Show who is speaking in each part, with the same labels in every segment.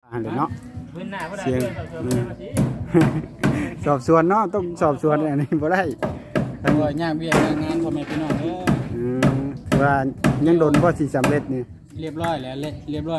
Speaker 1: อันเนาะ
Speaker 2: พื้นหน้าบ่ได้
Speaker 1: เสียง
Speaker 2: เสื้อ
Speaker 1: สอบสวนเนาะต้องสอบสวนอันนี้บ่ได้
Speaker 3: เพราะว่าย่างเวียกย่างงานพ่อแม่พี่น้องเด้อ
Speaker 1: ว่ายังโดนบ่สิสำเร็จนี่
Speaker 3: เรียบร้อยแล้วเรียบร้อย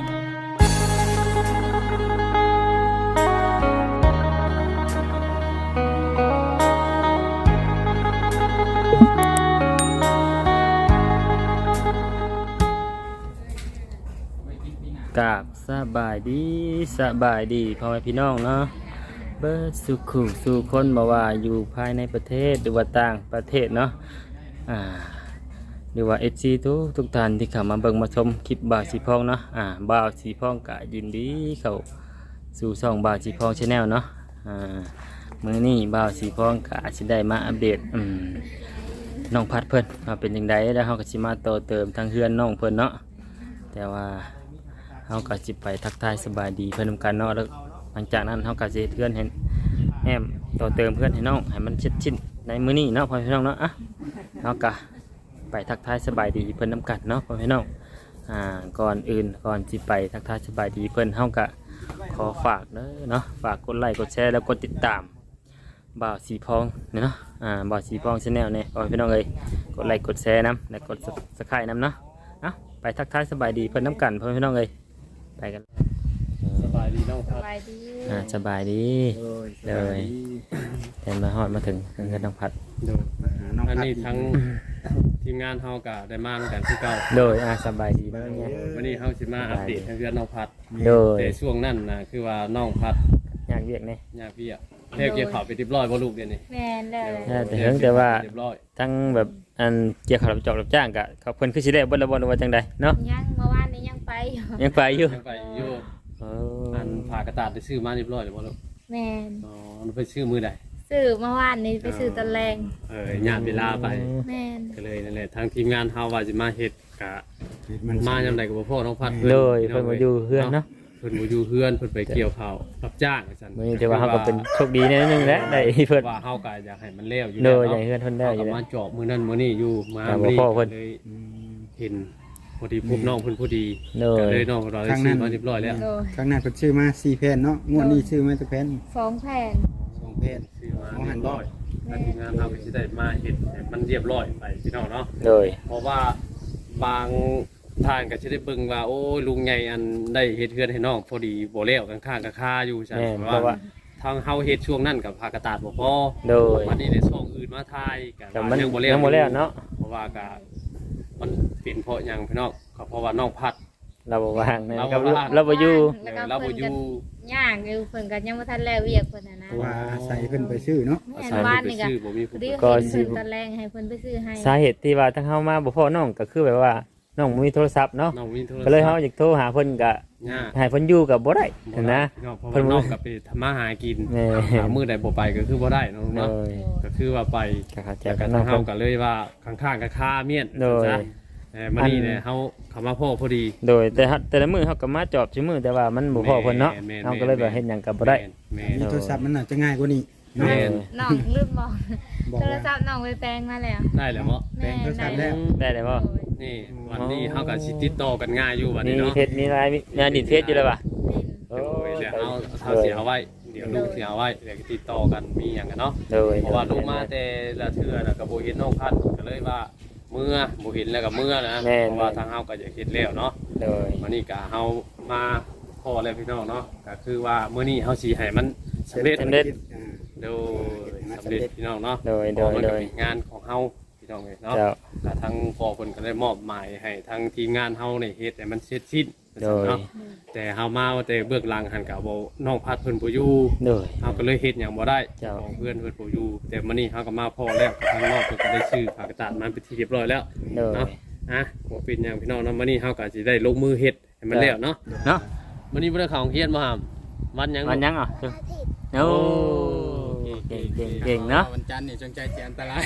Speaker 2: กราบสบายดีพ่อแม่พี่น้องเนาะเบิดสุขุสู่คนบ่ว่าอยู่ภายในประเทศหรือว่าต่างประเทศเนาะหรือว่า FC ทุกท่านที่เข้ามาเบิ่งมาชมคลิปบ่าวสีพองเนาะบ่าวสีพองก็ยินดีเข้าสู่ช่องบ่าวสีพอง Channel เนาะมื้อนี้บ่าวสีพองก็สิได้มาอัปเดตน้องพัดเพิ่นว่าเป็นจังไดแล้วเฮาก็สิมาต่อเติมทางเฮือนน้องเพิ่นเนาะแต่ว่าเฮาก็สิไปทักทายสบายดีเพิ่นนำกันเนาะแล้วหลังจากนั้นเฮาก็สิเทือนให้แอมต่อเติมเพื่อนให้น้องให้มันเสร็จสิ้นในมื้อนี้เนาะพ่อพี่น้องเนาะเฮาก็ไปทักทายสบายดีเพิ่นนำกันเนาะพ่อพี่น้องก่อนอื่นก่อนสิไปทักทายสบายดีเพิ่นเฮาก็ขอฝากเนาะฝากกดไลค์กดแชร์แล้วกดติดตามบ่าวสีพองเนาะบ่าวสีพอง Channel เนี่ยพ่อพี่น้องเอ้ยกดไลค์กดแชร์นำและกด Subscribe นำเนาะไปทักทายสบายดีเพิ่นนำกันพ่อพี่น้องเอ้ยไปกัน
Speaker 3: สบายดีน้องพัด
Speaker 4: สบายดี
Speaker 2: สบายดีเลยเห็นมาฮอดมาถึงเงินน้องพัด
Speaker 1: ดูมาหาน้อง
Speaker 3: อัน
Speaker 1: พัด
Speaker 3: นี้ทั้งทีมงานเฮาก็ได้มากันคือเก่า
Speaker 2: โดยสบายดีบ้างไง
Speaker 3: วันนี้เฮาสิมาอัปเดตทางเรื่องน้องพัด
Speaker 2: โดย
Speaker 3: แต่ช่วงนั้นน่ะคือว่าน้องพัด
Speaker 2: อยากเรียกเนี่ย
Speaker 3: ย่างเวียกเรียกเกี่ยวข้าวไปเรียบร้อยบ่ลูกเดี๋ยวนี้
Speaker 4: แม่นเลย
Speaker 2: แต่ว่า
Speaker 3: เรียบร้อย
Speaker 2: ทั้งแบบอันเกี่ยวกับรับจอบรับจ้างกะเขาเพิ่นคือสิได้บ่ละบ่ว่าจังใดเนาะ
Speaker 4: ยังเมื่อวานนี้ยังไปอยู่
Speaker 2: ยังไปอยู่
Speaker 3: ยังไปอยู่
Speaker 2: เอ
Speaker 3: อันผ่ากระดาษได้ซื้อมาเรียบร้อยแล้วบ่ลูก
Speaker 4: แม่น
Speaker 3: อ๋อมันไปซื้อมื้อใด
Speaker 4: ซื้อเมื่อวานนี้ไปซื้อตะแรง
Speaker 3: ญาติเวลาไป
Speaker 4: แม่น
Speaker 3: ก็เลยนั่นแหละทางทีมงานเฮาว่าสิมาเฮ็ดกะมายามใดก็บ่พอน้องพัด
Speaker 2: เลยเพิ่นมาอยู่เฮือนเนาะ
Speaker 3: เพิ่นบ่อยู่เฮือนเพิ่นไปเกี่ยวข้าวรับจ้างว่าซั่น
Speaker 2: มื้อนี้ถือว่าเฮาก็เป็นโชคดีแน่นึงแหละได้เพิ่น
Speaker 3: ว่าเฮาก็อยากให้มันแล้วอยู่
Speaker 2: โด
Speaker 3: แล้ว
Speaker 2: ยใหญ่เฮือนเพิ่นได้อยู่
Speaker 3: เฮา
Speaker 2: แล้ว
Speaker 3: มาเจาะมื้อนั้นมื้อนี้อยู่มา
Speaker 2: แต่บ่พอเพิ่น
Speaker 3: เลยเห็นพอดีพบน้องเพิ่นพอดี
Speaker 2: โด
Speaker 3: ก็
Speaker 2: ย
Speaker 3: เลยน้องเราได้ซื้อมาเรียบร้อยแล้ว
Speaker 4: โดย
Speaker 1: ครั้งหน้าเพิ่นชื่อมา4แผ่นเนาะงวดนี้ชื่อมาจักแผ่น
Speaker 4: 2 แผ่น
Speaker 1: 2แผ่น
Speaker 3: ซื้อมาเรียบร้อยแล้วทีมงานเฮาก็สิได้มาเฮ็ดให้มันเรียบร้อยไปพี่น้องเนาะ
Speaker 2: โดย
Speaker 3: เพราะว่าบางท่านก็จะได้เบิ่งว่าโอ้ยลุงใหญ่อันได้เฮ็ดเฮือนให้น้องพอดีบ่แล้วข้างๆก็คาอยู่ซั่น
Speaker 2: แม่น
Speaker 3: เพ
Speaker 2: เพราะ
Speaker 3: ราะ
Speaker 2: ว่า
Speaker 3: ว่าทางเฮาเฮ็ดช่วงนั้นกับพากระตาดบ่พอ
Speaker 2: โดย
Speaker 3: วันนี้ได้ช่องอื่นมาถ่ายก็
Speaker 2: แต่มัน
Speaker 3: ยังบ่
Speaker 2: ยังบ่แล้วเนาะ
Speaker 3: เพราะว่าก็มันเป็นเพราะหยังพี่น้องก็เพราะว่าน้องพัด
Speaker 2: เราบ่ว่างนะ
Speaker 3: เรา
Speaker 2: ค
Speaker 3: บ่
Speaker 2: รับ
Speaker 3: ว่าง
Speaker 2: เราบ่อยู่
Speaker 4: แล้วก็
Speaker 3: เราบ่
Speaker 4: เพิ่น
Speaker 3: อยู่
Speaker 4: ก็ย่างอยู่เพิ่นก็ยังบ่ทันแล้วเวียกเพิ่นน่ะนะ
Speaker 1: เพราะว่าอาศัยเพิ่นไปซื้อเนาะ
Speaker 4: แม่น
Speaker 3: ใช่
Speaker 4: บ้าน
Speaker 3: ไป
Speaker 4: นี่ก็
Speaker 3: ซื้อบ่มี
Speaker 4: พ
Speaker 3: ผู้
Speaker 4: อดี
Speaker 2: ก็
Speaker 4: เห็น
Speaker 2: สิ
Speaker 4: เพิ่นตะแรงให้เพิ่นไปซื้อให้
Speaker 2: สาเหตุที่ว่าทั้งเฮามาบ่พอน้องก็คือแบบว่าน้องบ่มีโทรศัพท์เนาะ
Speaker 3: น้องมีโทรศัพท์
Speaker 2: ก็เลยเฮาอยากโทรหาเพิ่นก็
Speaker 3: ยาก
Speaker 2: ให้เพิ่นอยู่ก็บ่ได้นะ
Speaker 3: พี่น้องเพราะว่าน้องก็ไปทำมาหากิน
Speaker 2: แม่
Speaker 3: หามื้อใดบ่ไปก็คือบ่ได้เนาะ
Speaker 2: โด
Speaker 3: เนาะ
Speaker 2: ย
Speaker 3: ก็คือว่าไป
Speaker 2: ก็เข้าใจ
Speaker 3: จาก
Speaker 2: กั
Speaker 3: กัน น
Speaker 2: น้อง
Speaker 3: เฮา
Speaker 2: เพิ่น
Speaker 3: ก็เลยว่าข้างๆกับคาเมียน
Speaker 2: โดย
Speaker 3: จ้ะมานี่เนี่ยเฮาเข้ามาพ่อพอดี
Speaker 2: โดยแต่ละมื้อเฮาก็มาจอบซุมื้อแต่ว่ามันบ่พอเพิ่นเนาะ
Speaker 3: แม่นๆ
Speaker 2: เฮาก็เลยแบบเฮ็ดหยังก็บ่ได้
Speaker 3: แม่
Speaker 1: มีโทรศัพท์มันน่าจะง่ายกว่านี้
Speaker 3: แม่
Speaker 1: เนาะ
Speaker 3: น
Speaker 4: น้องลืมบอก
Speaker 1: บอก
Speaker 4: โทร
Speaker 1: ว่า
Speaker 4: ศัพท์น้องไปแปลงมาแล้ว
Speaker 3: ได้แล้วบ่
Speaker 1: แปลงโทรศัพท์แล้ว
Speaker 2: ได้เลยบ่
Speaker 4: โดย
Speaker 3: นี่วันนี้เฮาก็สิติดต่อกันง่ายอยู่บัด
Speaker 2: มี
Speaker 3: นี้เนาะ
Speaker 2: เพจมีไลน์มีดินเพจอยู่แล้วป่ะ
Speaker 4: แม่น
Speaker 3: โดยเดี๋ยวเฮาสิเอาไว้เดี๋ยวลูกสิเอาไว้เดี๋ยวติดต่อกันมีหยังกันเนาะ
Speaker 2: โดย
Speaker 3: เพราะว่าลูกมาแต่ละเทื่อน่ะก็บ่เห็นน้องพัดก็เลยว่าเมื่อบ่เห็นแล้วก็เมื่อนะเพราะว่าทางเฮาก็อยากเฮ็ดแล้วเนาะ
Speaker 2: โดย
Speaker 3: วันนี้ก็เฮามาพ่อแล้วพี่น้องเนาะก็คือว่ามื้อนี้เฮาสิให้มันสำเร็จ
Speaker 2: สำเร็จ
Speaker 3: โดยสำเร็จพี่น้องเนาะ
Speaker 2: โดย
Speaker 3: เพ
Speaker 2: โด
Speaker 3: ราะ
Speaker 2: ย
Speaker 3: มัน
Speaker 2: โด
Speaker 3: ก็
Speaker 2: ย
Speaker 3: เป็นงานของเฮาพี่น้องเลยเนาะ
Speaker 2: เจ้า
Speaker 3: ก็ทางพ่อเพิ่นก็ได้มอบหมายให้ทางทีมงานเฮานี่เฮ็ดให้มันเสร็จสิ้น
Speaker 2: โดย
Speaker 3: เนาะแต่เฮามาว่าแต่เบื้องหลังหันก็บ่น้องพัดเพิ่นบ่อยู่
Speaker 2: โดย
Speaker 3: เฮาก็เลยเฮ็ดหยังบ่ได้
Speaker 2: เจ้า
Speaker 3: ของเพื่อนเพิ่นบ่อยู่แต่มื้อนี้เฮาก็มาพ่อแล้วทางนอกเพิ่นก็ได้ชื่อฝากกระดาษมาเป็นที่เรียบร้อยแล้ว
Speaker 2: โดย
Speaker 3: เนาะบ่เป็นหยังพี่น้องเนาะมื้อนี้เฮาก็สิได้ลงมือเฮ็ดให้มันแล้วเนาะ
Speaker 2: เนาะ
Speaker 3: มื้อนี้บ่ได้เข้าโรงเรียนบ่หามวันหยัง
Speaker 2: วันยังอ่ะโอ้เก่งเนาะ
Speaker 3: วันจันทร์นี่จงใจแจมตาราง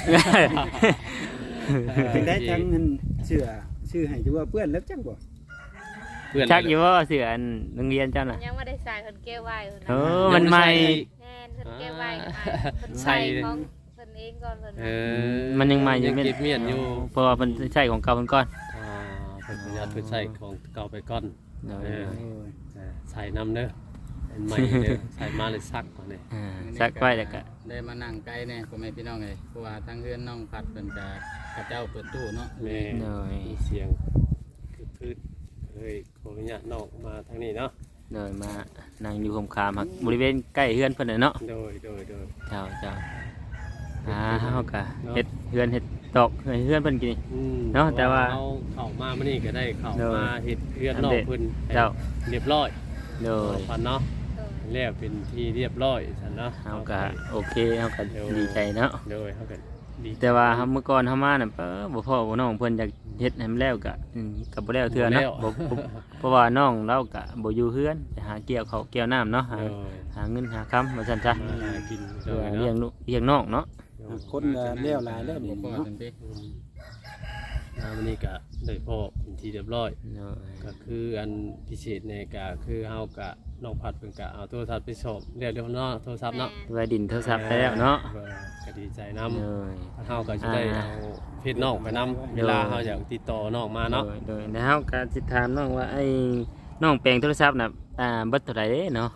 Speaker 1: ถึงได้ทั้งเงินเชื่อชื่อให้อยู่ว่าเพื่อนแล้วจังบ่
Speaker 3: เพื่อน
Speaker 2: ชักอยู่ว่าเสืออันโรงเรียนเจ้าน่ะ
Speaker 4: ยังไม่ได้ใส่เพิ่นเก็บไว้เพิ่น
Speaker 2: โอ้
Speaker 4: นะ
Speaker 2: มันใหม่
Speaker 4: แม่นเพิ่นเก็บไว้ให้เพิ่นใส่ของเพิ่นเองก่อนเพิ่น
Speaker 3: เอ
Speaker 4: ว่า
Speaker 3: อ
Speaker 2: มันยังใหม่อยู่
Speaker 3: ยังเก็บเมียนอยู่
Speaker 2: เพราะว่ามันใช่ของเก่ามันก่อน
Speaker 3: เพิ่นประหยัดเพิ่นใส่ของเก่าไปก่อน
Speaker 2: โดย
Speaker 3: ใส่น้ำเด้อใหม่เลยใส่มาเลยซักมาเนี่ย
Speaker 2: สักไว้แล้วก็
Speaker 1: ได้มานั่งใกล้แน่พ่อแม่พี่น้องเอ้ยเพราะว่าทางเฮือนน้องพัดเพิ่นก็เขาเจ้าเปิดตู้เนาะ
Speaker 3: แม่
Speaker 2: หน่อย
Speaker 3: มีเสียงคือพืชเลยขออนุญาตนอกมาทางนี้เนาะ
Speaker 2: หน่อยมานั่งอยู่คมคามครับบริเวณใกล้เฮือนเพิ่นน่ะเนาะ
Speaker 3: โดย
Speaker 2: เจ้าเฮาก็เฮ็ดเฮือนเฮ็ดตอกให้เฮือนเพิ่นกิน เนาะแต่ว่า
Speaker 3: เอาเข้ามามื้อนี้ก็ได้เข้า
Speaker 2: โดย
Speaker 3: มาเฮ็ดเพื่อนนอกเพิ่นให้
Speaker 2: เจ้า
Speaker 3: เรียบร้อย
Speaker 2: โดย
Speaker 3: พันเนาะ
Speaker 4: โดย
Speaker 3: แล้วเป็นที่เรียบร้อยซั่นเนาะ
Speaker 2: เฮาก็โอเคเฮาก็ดีใจเนาะ
Speaker 3: โดยเฮาก็ดี
Speaker 2: แต่ว่าเฮาเมื่อก่อนเฮามาน่ะบ่พ่อบ่น้องเพิ่นอยากเฮ็ดให้มันแล้วก็ก็บ่แล้วเทื่อเนาะบ่เพราะว่าน้องเราก็บ่อยู่เฮือนไปหาเกี่ยวข้าวเกี่ยวน้ำเนาะ
Speaker 3: โดย
Speaker 2: หาเงินหาคำว่าซั่นซะ
Speaker 3: มาหากินโด
Speaker 2: เพื่อย
Speaker 3: เนาะ
Speaker 2: เลี้ยงลูกเลี้ยงน้องเนาะ
Speaker 1: คนก็เลี้ยวหลายแล้วนี่
Speaker 5: บ่พอ
Speaker 1: เนาะ
Speaker 5: จังซี่
Speaker 3: วันนี้ก็ได้พ่อเป็นที่เรียบร้อย
Speaker 2: โดย
Speaker 3: ก็คืออันพิเศษเนี่ยก็คือเฮากะน้องพัดเพิ่นก็เอาโทรศัพท์ไปสอบเรียกเนาะโทรศัพท์เนาะ
Speaker 2: ไว้ดินโทรศัพท์ไปแล้วเนาะ
Speaker 3: ก็ดีใจนํ
Speaker 2: โดย
Speaker 3: เฮาก็จะได้เอาเพจน้องไปนํเวลาเฮาอยากติดต่อน้องมาเนาะ
Speaker 2: โดยแล้วก็สิถามน้องว่าไอ้น้องแปลงโทรศัพท์น่ะเบิดเท่าไหร่เด้เนาะ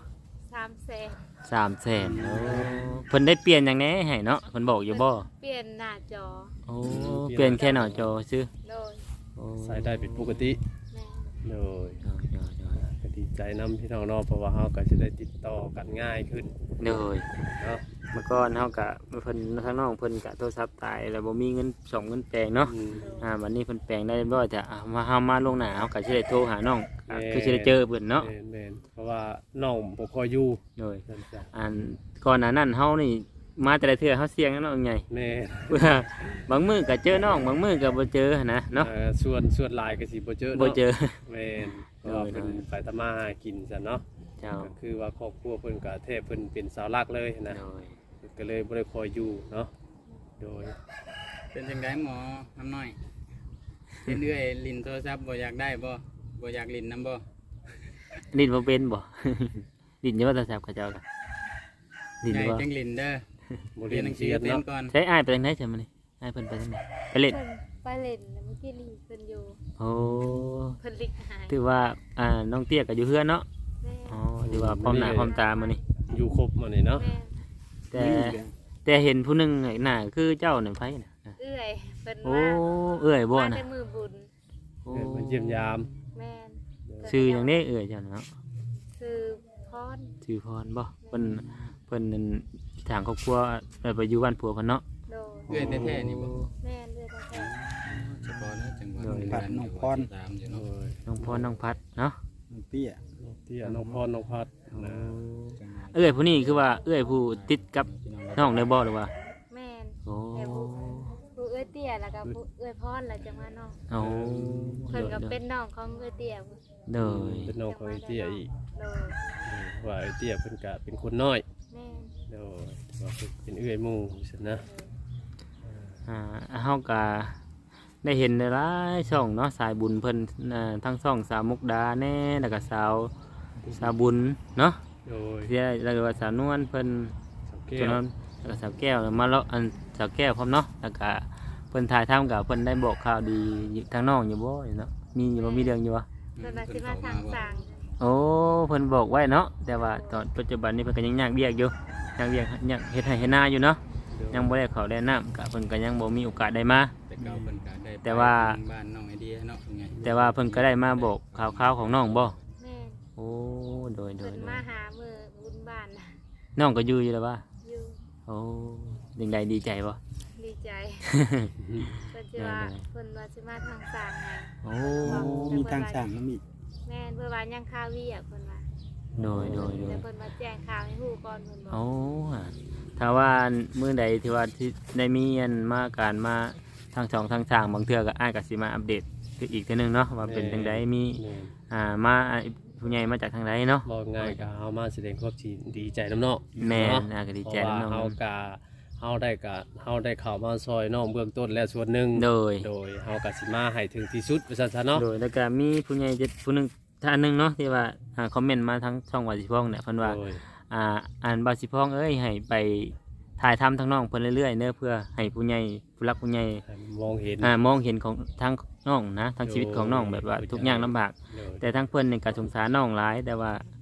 Speaker 4: 300,000
Speaker 2: 300,000โอ้เพิ่นได้เปลี่ยนหยังแหน่ให้เนาะเพิ่นบอกอยู่บ่
Speaker 4: เปลี่ยนหน้าจอ
Speaker 2: โอ้เปลี่ยนแค่หน้าจอซื่อ
Speaker 4: โดย
Speaker 2: โอ้
Speaker 3: ใช้ได้เป็นปกติ
Speaker 4: แม่
Speaker 3: โดย
Speaker 2: โดย
Speaker 3: ก็ดีใจนํพี่น้องเนาะเพราะว่าเฮาก็จะได้ติดต่อกันง่ายขึ้น
Speaker 2: โดย
Speaker 3: เนาะ
Speaker 2: เมื่อก่อนเฮาก็เพิ่นทางน้องเพิ่นก็โทรศัพท์ตายแล้วบ่มีเงินส่งเงินแปลงเนาะ
Speaker 3: อืม
Speaker 2: วันนี้เพิ่นแปลงได้เรียบร้อยแต่เฮามาลวงหน้าเฮาก็สิได้โทรหาน้องคือสิได้เจอเพิ่นเนาะ
Speaker 3: แม่นเพราะว่าน้องบ่ค่อยอยู่
Speaker 2: โดย
Speaker 3: นั่นจ้ะ
Speaker 2: อันก่อนหน้านั้นเฮานี่มาแต่ละเทื่อเฮาเสี่ยงนะน้องใหญ่
Speaker 3: แม่
Speaker 2: เพื่อบางมื้อก็เจอน้องบางมื้อก็บ่เจอหั้นนะเนาะ
Speaker 3: ส่วนหลายก็สิบ่เจอ
Speaker 2: บ่
Speaker 3: เนาะ
Speaker 2: เจอ
Speaker 3: แม่นเพราะว่าเพิ่นไปทำมาหากินซะเนาะ
Speaker 2: เจ้า
Speaker 3: ก็คือว่าครอบครัวเพิ่นก็แทบเพิ่นเป็นเสาหลักเลยนะ
Speaker 2: โดย
Speaker 3: ก็เลยบ่ได้คอยอยู่เนาะโดย
Speaker 5: เป็นจังได๋หมอน้ำน้อยเป็นเอื้อยลิ้นโทรศัพท์บ่อยากได้บ่อยากลิ้นนํบ่
Speaker 2: ลิ้นบ่เป็นบ่ ลิ้นอยู่ว่าโทรศัพท์เขาเจ้าก็ลิ้น
Speaker 5: ใหญ่
Speaker 2: บ่
Speaker 5: จังลิ้นเด้อ
Speaker 3: บ่
Speaker 5: เรี
Speaker 3: เรี
Speaker 5: ย
Speaker 3: ย
Speaker 5: น
Speaker 3: น
Speaker 5: หนังสื
Speaker 3: เสี
Speaker 5: อย เป็น
Speaker 3: เนาะ
Speaker 5: ก่อน
Speaker 2: ใช้อ้ายไปทางไหนใช่มั้ยนี่อ้ายเพิ่นไปทางไหนไปเล่น
Speaker 4: เพิ่นไปเล่นแล้วเมื่อกี้ลีเพิ่นอยู่
Speaker 2: โอ้
Speaker 4: เพิ่นลิกหาย
Speaker 2: ถือว่าน้องเตี้ยก็อยู่เฮือนเนาะ
Speaker 4: แม่
Speaker 2: อ๋อถือว่าพร้อมหน้าพร้อมตามื้อนี้
Speaker 3: อยู่ครบมานี่เนาะ
Speaker 4: แม่
Speaker 2: แต่เห็นผู้หนึงหน้าคือเจ้านี่ไผน่ะ
Speaker 4: เอื้อยเพิ่น
Speaker 2: โอ้
Speaker 4: มา
Speaker 2: เอื้อยบ่
Speaker 4: มา
Speaker 2: น่ะ
Speaker 4: แต่มือบุญ
Speaker 2: โอ้
Speaker 3: เดินมาเยี่ยมยาม
Speaker 4: แม่น
Speaker 2: ชื่อหยังนี้เอื้อยเจ้าน่ะเนาะ
Speaker 4: คือพร
Speaker 2: ชื่อพรบ่เพิ่นนั่นทางครอบครัวไปอยู่บ้านผัวเพิ่นเนาะ
Speaker 4: โดย
Speaker 5: เอื้อยแท้ๆนี่บ่
Speaker 4: แม่นเลือดแท้
Speaker 5: เฉพาะนะจังหวัด
Speaker 2: โดย
Speaker 5: การน้องพรตามอยู่
Speaker 3: โด
Speaker 5: เนาะ
Speaker 3: ย
Speaker 2: น้องพรน้องพัดเนาะ
Speaker 1: น้องเตี้ย
Speaker 3: เตี้ยน้องพรน้องพัดนะ
Speaker 2: เอื้อยผู้นี้คือว่าเอื้อยผู้ติดกับน้องได้บ่หรือว่า
Speaker 4: แม่น
Speaker 2: โอ้
Speaker 4: แต่ผู้เอื้อยเตี้ยแล้วก็ผู้เอื้อยพรแล้วจังว่าน้อง
Speaker 2: เอา
Speaker 4: เพิ่นก็เป็นน้องของเอื้อยเตี้ย
Speaker 2: เด้อ
Speaker 3: เป็นน้องของไอ้เตี้ยอีก
Speaker 4: โดย
Speaker 3: ว่าไอ้เตี้ยเพิ่นก็เป็นคนน้อย
Speaker 4: แม่น
Speaker 3: โดยว่าเพิ่นเป็นเอื้อยหมู่ซั่นนะ
Speaker 2: เฮาก็ได้เห็นหลายช่องเนาะสายบุญเพิ่นทั้งช่องสาวมุกดาแน่แล้วก็สาวบุญเนาะ
Speaker 3: โดย
Speaker 2: ที่แล้วก็ว่าสาวนวลเพิ่น
Speaker 3: สังเก
Speaker 2: ตัว
Speaker 3: ต
Speaker 2: นั้นแล้วก็สาวแก้วมาแล้วอันสาวแก้วพร้อมเนาะแล้วก็เพิ่นถ่ายทำกับเพิ่นได้บอกข่าวดีทางน้องอยู่บ่เนาะมีอยู่บ่มีเรื่องอยู่วะ
Speaker 4: เพิ่นมาสิมาทางสร้าง
Speaker 2: โอ้เพิ่นบอกไว้เนาะแต่ว่าตอนปัจจุบันนี้เพิ่นก็ยังยากเวียกอยู่ยากเวียกยากเฮ็ดให้เฮ็ดนาอยู่เนาะยังบ่ได้เข้าได้น้ำก็เพิ่นก็ยังบ่มีโอกาสได้มา
Speaker 5: แต่เก่าเพิ่นก็ได้ไป
Speaker 2: แต่ว่า
Speaker 5: บ้านน้องไอเดียเนาะเป็นไง
Speaker 2: แต่ว่าเพิ่นก็ได้มาบอกข่าวๆของน้องบ่
Speaker 4: แม่น
Speaker 2: โอ้โดย
Speaker 4: เพิ่นมาหามือบุญบ้านน่ะ
Speaker 2: น้องก็อยู่แล้วว่า
Speaker 4: อยู่
Speaker 2: โอ้ยังไงดีใจบ่
Speaker 4: ดีใจเพิ่นสิว่าเพิ่นว่าสิมาทางสร้างไง
Speaker 2: โอ้
Speaker 1: มีทางสร้างน้ำอีก
Speaker 4: แม่นเพิ่นว่ายังข่าววีอ่ะเพิ่นว่า
Speaker 2: โดย
Speaker 4: แต่เพิ่นมาแจ้งข่าวให้ฮู้ก่อนเพิ่นบอก
Speaker 2: โอ้ถ้าว่ามื้อใดที่ว่าที่ได้มีอันมาการมาทางช่องทางทางบางเทื่อก็อ้ายก็สิมาอัปเดตคืออีกเทื่อนึงเนาะว่าเป็นจังไดมี
Speaker 3: แม่น
Speaker 2: มาผู้ใหญ่มาจากทางใดเนาะ
Speaker 3: บอกง่ายก็เฮามาแสดงความดีใจน้ำเนาะ
Speaker 2: แม่น
Speaker 3: เนาะ
Speaker 2: น่าก็ดี
Speaker 3: เพ
Speaker 2: ใจ
Speaker 3: ราะว่า
Speaker 2: น้อง
Speaker 3: เฮาได้เข้ามาซอยน้องเบื้องต้นและส่วนหนึ่ง
Speaker 2: โดย
Speaker 3: โดยเฮาก็สิมาให้ถึงที่สุดว่าซั่นซะเนาะ
Speaker 2: โดยแล้วก็มีผู้ใหญ่ผู้หนึงท่านหนึงเนาะที่ว่าคอมเมนต์มาทางช่องวาสิพ้องเนี่ยเพิ่นว่า
Speaker 3: โดย
Speaker 2: อ่านบาสิพ้องเอ้ยให้ไปถ่ายทำทางน้องเพิ่นเรื่อยๆเด้อเพื่อให้ผู้ใหญ่ผู้รักผู้ใหญ่
Speaker 3: ให้มองเห็น
Speaker 2: มองเห็นของทางน้องนะทางชีวิตของน้องแบบว่าทุกอย่างลำบาก
Speaker 3: โดย
Speaker 2: แต่ทั้งเพิ่นนี่ก็สงสารน้องหลายแต่ว่า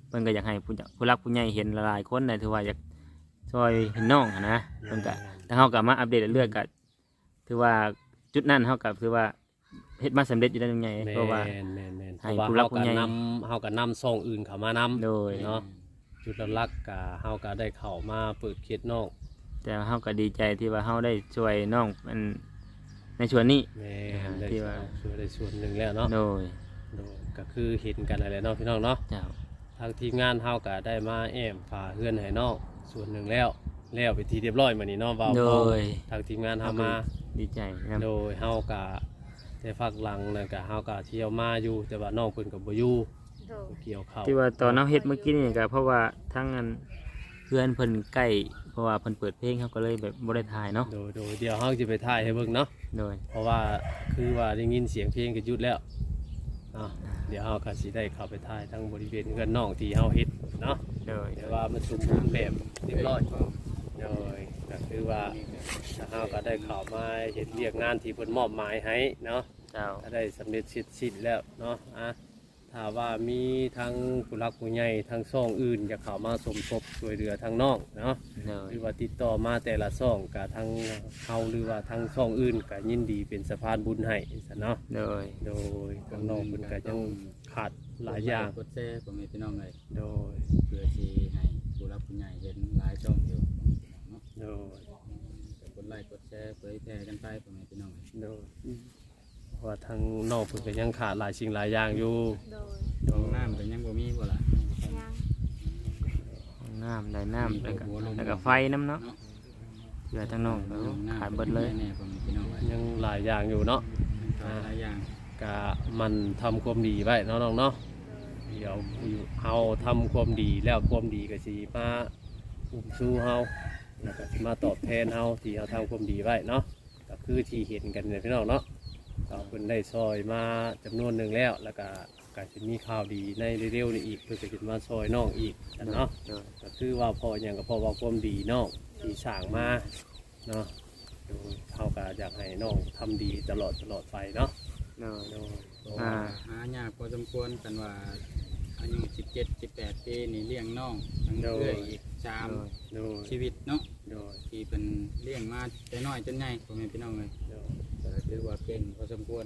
Speaker 2: เพิ่นก็อยากให้ผู้รักผู้ใหญ่เห็นหลายๆคนได้ถือว่าอยากช่วยเห็นน้องหั้นนะเพิ่นก็แต่เฮาก็มาอัปเดตเรื่อยๆก็ถือว่าจุดนั้นเฮาก็ถือว่าเฮ็ดมาสำเร็จอยู่แล้วยังไงเพราะว่า
Speaker 3: แม่นๆ
Speaker 2: ให้
Speaker 3: เพราะว่า
Speaker 2: ผู้รัก
Speaker 3: เฮา
Speaker 2: ผู้
Speaker 3: ก็
Speaker 2: ใหญ่
Speaker 3: เฮาก็นำซ่องอื่นเข้ามานํ
Speaker 2: โดย
Speaker 3: เนาะจุดหลักๆก็เฮาก็ได้เข้ามาเปิดเขตนอก
Speaker 2: แต่เฮาก็ดีใจที่ว่าเฮาได้ช่วยน้องมันในส่วนนี้
Speaker 3: แม่นได้
Speaker 2: ที่ว่า
Speaker 3: ช่วยได้ส่วนหนึ่งแล้วเนาะ
Speaker 2: โดย
Speaker 3: โดยก็คือเห็นกันอะไรเนาะพี่น้องเนาะ
Speaker 2: เจ้า
Speaker 3: ทางทีมงานเฮาก็ได้มาแอมฝาเฮือนให้น้องส่วนหนึ่งแล้วไปทีเรียบร้อยมื้อนี้เนาะว่า
Speaker 2: โด
Speaker 3: เฮาย ทางทีมงานเฮามา
Speaker 2: ดีใจนะ
Speaker 3: โดยเฮาก็แต่ฝากหลังนั่นก็เฮาก็เที่ยวมาอยู่แต่ว่าน้องเพิ่นก็บ่อยู่
Speaker 4: โดย
Speaker 3: เกี่ยวข้าว
Speaker 2: ที่ว่าตอนเฮาเฮ็ดเมื่อกี้นี่ก็เพราะว่าทั้งอันเพื่อนเพิ่นใกล้เพราะว่าเพิ่นเปิดเพลงเฮาก็เลยแบบบ่ได้ถ่ายเนาะ
Speaker 3: โดยเดี๋ยวเฮาจะไปถ่ายให้เบิ่งเนาะ
Speaker 2: โดย
Speaker 3: เพราะว่าคือว่าได้ยินเสียงเพลงก็หยุดแล้วเนาะเดี๋ยวเฮาก็สิได้เข้าไปถ่ายทั้งบริเวณเฮือนน้องที่เฮาเฮ็ดเนาะ
Speaker 2: โดย
Speaker 3: แต่ว่ามันสมบูรณ์แบบเรียบร้อยโดยก็คือว่าถ้าเฮาก็ได้เข้ามาเฮ็ดเรียกงานที่เพิ่นมอบหมายให้เนาะ
Speaker 2: เจ้า
Speaker 3: ถ้าได้สำเร็จสิ้นแล้วเนาะถ้าว่ามีทั้งผู้รักผู้ใหญ่ทั้งซ่องอื่นอยากเข้ามาสมทบช่วยเหลือทางน้องเนาะ
Speaker 2: โดย
Speaker 3: หรือว่าติดต่อมาแต่ละซ่องกับทั้งเฮาหรือว่าทั้งซ่องอื่นก็ยินดีเป็นสะพานบุญให้ซะเนาะ
Speaker 2: โดย
Speaker 3: โดยทางน้องเพิ่นก็ยังขาดหลายอย่าง
Speaker 5: กดแชร์ผมมีพี่น้องเลย
Speaker 3: โดย
Speaker 5: เพื่อที่ให้ผู้รับผู้ใหญ่เห็นหลายช่องอยู่เนาะ
Speaker 3: โดย
Speaker 5: ก็กดไลค์กดแชร์เผยแพร่กันไปผมมีพี่น้องเลย
Speaker 3: โดยเพราะว่าทางน้องเพิ่นก็ยังขาดหลายสิ่งหลายอย่างอยู่
Speaker 4: โดย
Speaker 5: ห้องน้ำเป็นยังบ่มีบ่ล่ะ
Speaker 4: ยัง
Speaker 2: ห้องน้ำได้น้ำแล้วก็ไฟน้ำเนาะเหลือทั้งน้องแล้วขาดเบิดเลย
Speaker 5: แน่ผมมีพี่น้องเลย
Speaker 3: ยังหลายอย่างอยู่เนาะ
Speaker 5: หลายอย่าง
Speaker 3: ก็มันทำความดีไว้เนาะน้องเนาะเดี๋ยวเฮาทำความดีแล้วความดีก็สิมาอุ้มสู้เฮาแล้วก็สิมาตอบแทนเฮาที่เฮาทำความดีไว้เนาะก็คือที่เห็นกันเนี่ยพี่น้องเนาะก็เพิ่นได้ซอยมาจำนวนหนึ่งแล้วก็สิมีข่าวดีในเร็วๆนี้อีกเพื่อจะมาซอยน้องอีกเนาะ
Speaker 2: โดย
Speaker 3: ก็คือว่าพออย่างก็พอว่าความดีน้องที่สร้างมาเนาะโดยเฮาก็อยากให้น้องทำดีตลอดไปเนาะ
Speaker 2: โดย
Speaker 3: โดย
Speaker 5: หายากพอสมควรกันว่าอายุ17-18 ปีนี่เลี้ยงน้องทั้งเรื่อยอีก
Speaker 3: โดย
Speaker 5: 3ชีวิตเนาะ
Speaker 3: โดย
Speaker 5: ที่เป็นเลี้ยงมาแต่น้อยจนใหญ่ผมมีพี่น้องเลย
Speaker 3: โดย
Speaker 5: ก็ถือว่าเก่งพอสมควร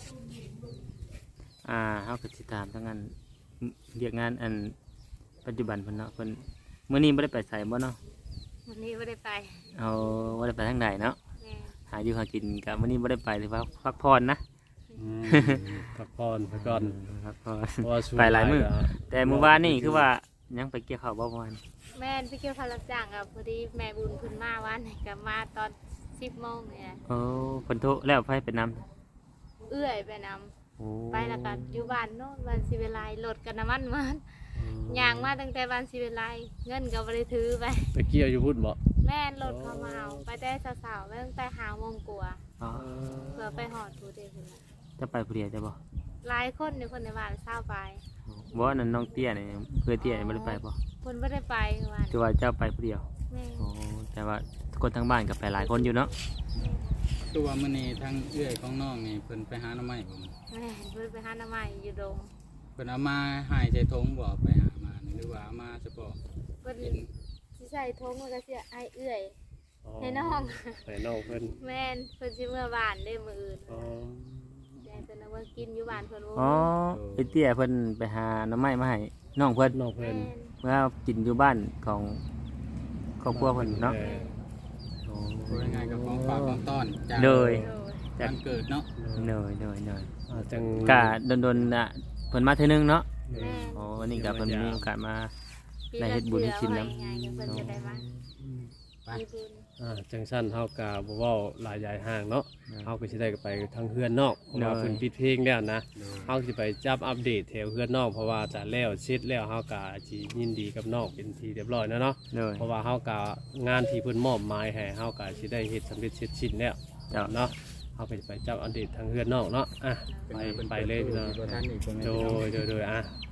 Speaker 2: เฮาก็สิถามทั้งอันเรียกงานอันปัจจุบันเพิ่นเนาะเพิ่นมื้อนี้บ่ได้ไปไสบ่เนาะ
Speaker 4: วันนี้ไม่ได้ไป
Speaker 2: เอาบ่ได้ไปทางใดเนาะ
Speaker 4: แม่
Speaker 2: หาอยู่หากินก็มื้อนี้บ่ได้ไปหรือว่าพักผ่อนนะ
Speaker 3: พักผ่อนไปก่อน
Speaker 2: พักผ่อน
Speaker 3: เพราะว่าช่วง
Speaker 2: ไปหลายมื้อ
Speaker 3: บ่ก็
Speaker 2: แต่มื้อวานนี่คือว่ายังไปเกี่ยวข้าวบ่ประมาณ
Speaker 4: แม่ไปเกี่ยวพารับจ้างกับพอดีแม่บุญเพื้นมาวันนี้ก็มาตอน10 โมงเนี่ย
Speaker 2: โอ้เพิ่นโทรแล้วไผไปนำ
Speaker 4: เอื้อยไปนำ
Speaker 2: โอ้
Speaker 4: ไปแล้วก็อยู่บ้านโน่นวันสิเวลายรถกันน้ำมันมันย่างมาตั้งแต่วันสิเวลายเงินก็บ่ได้ถือไป
Speaker 3: ไปเกี่ยวอยู่พุ่นบ่
Speaker 4: แม่นรถเขามาเอาไปแต่สาวๆไปตั้งแต่5 โมงกว่า
Speaker 2: อ๋อ
Speaker 4: เพื่อไปหอดผู้เดียวพุ่นน่ะ
Speaker 2: จะไปผู้เดียวได้บ่
Speaker 4: หลายคนอยู่คนในบ้านเศร้าไป
Speaker 2: บ่นั่นน้องเตี้ยนี่เพื่อเตี้ยนี่บ่ได้ไปบ่
Speaker 4: คนไม่ได้ไปวัน
Speaker 2: คือว่าเจ้าไปผู้เดียว
Speaker 4: แม่
Speaker 2: โอ้แต่ว่าคนทั้งบ้านก็ไปหลายคนอยู่เนาะ
Speaker 5: ตัวามื้อนี้ทั้งเอื้อยของน้องนี่เพิ่นไปหาหน่อไม้บ่มัน
Speaker 4: แม่เพิ่นไปหาหน้าใหม่อยู่ดง
Speaker 5: เพิ่นเอามาหายใส่ถุงบ่ไปหามานี่หรือว่าเอามาเฉพาะ
Speaker 4: เพิ่น
Speaker 5: กิน
Speaker 4: สิใส่ทงมันก็สิไอเอื้อย
Speaker 3: อ๋อ
Speaker 4: ให้น้อง
Speaker 3: ให้น้องเพิ่น
Speaker 4: แม่นเพิ่นสิเมื่อบ้านได้มื้ออื่น
Speaker 3: อ๋อ
Speaker 4: ยายเพิ่นเอามากินอยู่บ้านเพิ่นโอ้
Speaker 2: อ๋อไอ้เตี้ยเพิ่นไปหาหน้ำไม้มาให้น้องเพิ่น
Speaker 3: น้องเพิ่
Speaker 4: แม่
Speaker 3: น
Speaker 4: น
Speaker 2: เมื่อกินอยู่บ้านของครอบครัวเพิ่นเนาะ โอ้
Speaker 5: พูดง่ายๆกับของฝากของต้อนจาก
Speaker 2: โดย
Speaker 4: โดย
Speaker 5: วันเกิดเนาะ
Speaker 2: เหนื่อยเหนื่อยเหนื่อย
Speaker 3: จัง
Speaker 2: กะโดนๆน่ะเพิ่นมาเทื่อนึงเนาะ
Speaker 4: แม่น
Speaker 2: โอ้วันนี้ก็เพิ่นมีโอกาสมา
Speaker 4: ปี
Speaker 2: ได้
Speaker 4: ละ
Speaker 2: เฮ็ดบุญให้กินนำ
Speaker 4: เทื่อว่าไงเพิ่นจะได้มา
Speaker 5: ไป
Speaker 4: มีบุญ
Speaker 3: จังสั้นเฮาก็บ่เว้าหลายใหญ่ห่างเนาะเฮาก็สิได้ไปทางเฮือนนอกเพราะว่าเพิ่นปิดเพลงแล้วนะ เฮาสิไปจับอัปเดตแถวเพื่อนน้องเพราะว่าจะแล้วเสร็จแล้วเฮาก็สิยินดีกับน้องเป็นที่เรียบร้อยแล้วเนาะ
Speaker 2: เหนื่อย
Speaker 3: เพราะว่าเฮาก็งานที่เพิ่นมอบหมายให้เฮาก็สิได้เฮ็ดสำเร็จเสร็จสิ้นแล้ว
Speaker 2: เจ้า
Speaker 3: เนาะเฮาก็สิไปจับอัปเดตทางเพื่อนน้องเนาะไปเลยพี่น้อง
Speaker 5: ตัวท่านอีกคน
Speaker 3: โดย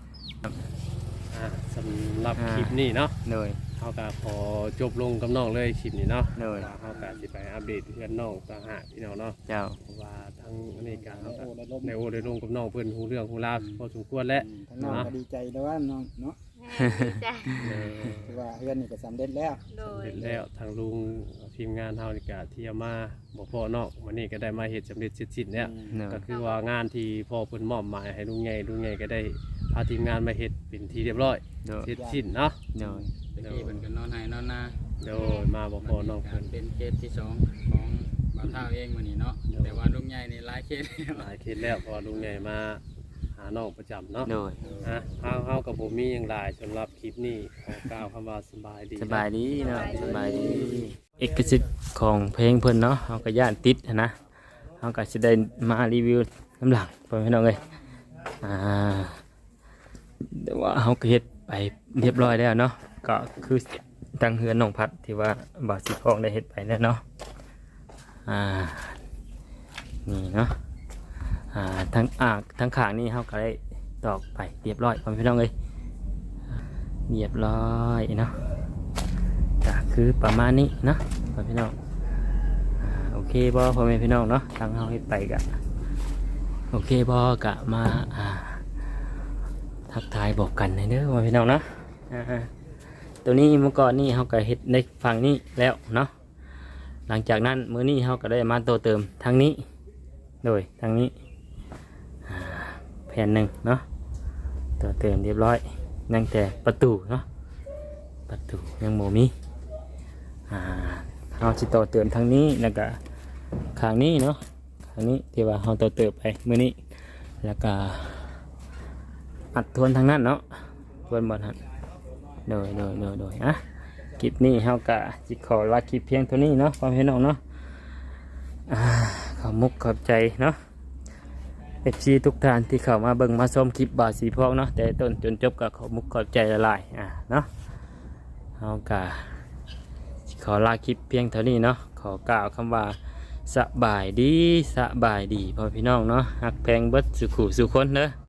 Speaker 3: สำหรับคลิปนี้เนาะ
Speaker 2: เหนื่อย
Speaker 3: เฮาก็ขอจบลงกับน้องเลยคลิปนี้เนาะ
Speaker 2: เหนื่อย
Speaker 3: ว่าเฮาก็สิไปอัปเดตเพื่อนน้องต่างหากพี่น้องเนาะ
Speaker 2: เจ้า
Speaker 3: เพราะว่าทั้งอเมริกาเขาก็ในโอได้ลงกับน้องเพื่อนหูเรื่องหูราวพอสมควรแล้ว
Speaker 6: ทั้งน้องก็ดีใจแล้วว่าน้องเนาะ
Speaker 4: แม่ดีใจ
Speaker 5: ถือว่าเฮือนนี่ก็สำเร็จแล้ว
Speaker 4: โดย
Speaker 3: เสร็จแล้วทางลุงทีมงานเฮานี่ก็ที่เอามาบ่พอนอกวันนี้ก็ได้มาเฮ็ดสำเร็จเสร็จสิ้นแล้ว
Speaker 2: เนาะ
Speaker 3: ก็คือว่างานที่พ่อเพิ่นมอบหมายให้ลุงใหญ่ก็ได้พาทีมงานมาเฮ็ดเป็นที่เรียบร้อย
Speaker 2: โดย
Speaker 3: เสร็จสิ้นเนาะ
Speaker 2: โดย
Speaker 5: ตะกี้เพิ่นก็นอนให้นอนนา
Speaker 3: โดยมาบ่พอนอก
Speaker 5: กา
Speaker 3: เพิ่
Speaker 5: ร
Speaker 3: น
Speaker 5: เป็นเคสที่สองของบ่าวเฒ่าเองมื้อนี้เนาะแต่ว่าลุงใหญ่นี่หลายเคสแล้ว
Speaker 3: หลายเคสแล้วเพอลุงใหญ่มาหาน้องประจำเนาะ
Speaker 2: โดย
Speaker 3: เฮากับบ่มีหยังหลายสำหรับคลิปนี้ขอกล่าวคำว่าสบายดี
Speaker 2: สบายดีเนาะสบายดี เอกสิทธิ์ของเพลงเพิ่นเนาะเฮาก็ย่านติดหั้นนะเฮาก็สิได้มารีวิวน้ำหลังพ่อพี่น้องเอ้ยแต่ว่าเฮาก็เฮ็ดไปเรียบร้อยแล้วเนาะก็คือตั้งเฮือนน้องพัดที่ว่าบ่าวสิพองได้เฮ็ดไปแล้วเนาะนี่เนาะทั้งข้างนี่เฮาก็ได้ตอกไปเรียบร้อยพ่อพี่น้องเอ้ยเรียบร้อยเนาะก็คือประมาณนี้เนาะพ่อพี่น้องโอเคบ่พ่อแม่พี่น้องเนาะทางเฮาเฮ็ดไปก็โอเคบ่ก็มาทักทายบอกกันเด้อพ่อพี่น้องเนาะตัวนี้เมื่อก่อนนี่เฮาก็เฮ็ดในฝั่งนี้แล้วเนาะหลังจากนั้นมื้อนี้เฮาก็ได้มาโตเติมทางนี้โดยทางนี้แผ่นหนึ่งเนาะตัวเติมเรียบร้อยยังแต่ประตูเนาะประตูยังโมมีเราจะต่อเติมทางนี้แล้วก็ข้างนี้เนาะข้างนี้ที่ว่าเราต่อเติมไปมื้อนี้แล้วก็อัดทวนทางนั้นเนาะทวนบนหันโดยคลิปนี้เราก็จิขอลาคลิปเพียงเท่านี้เนาะความเห็นน้องเนาะขอบมุกขอบใจเนาะFC ทุกท่านที่เข้ามาเบิ่งมาชมคลิปบ่าวสีพองเนาะแต่ต้นจนจบก็ขอมุกขอบใจละลายเนาะเอากะขอลาคลิปเพียงเท่านี้เนาะขอกล่าวคำว่าสบายดีพ่อพี่น้องเนาะฮักแพงเบิดสุขุสุคนเด้อ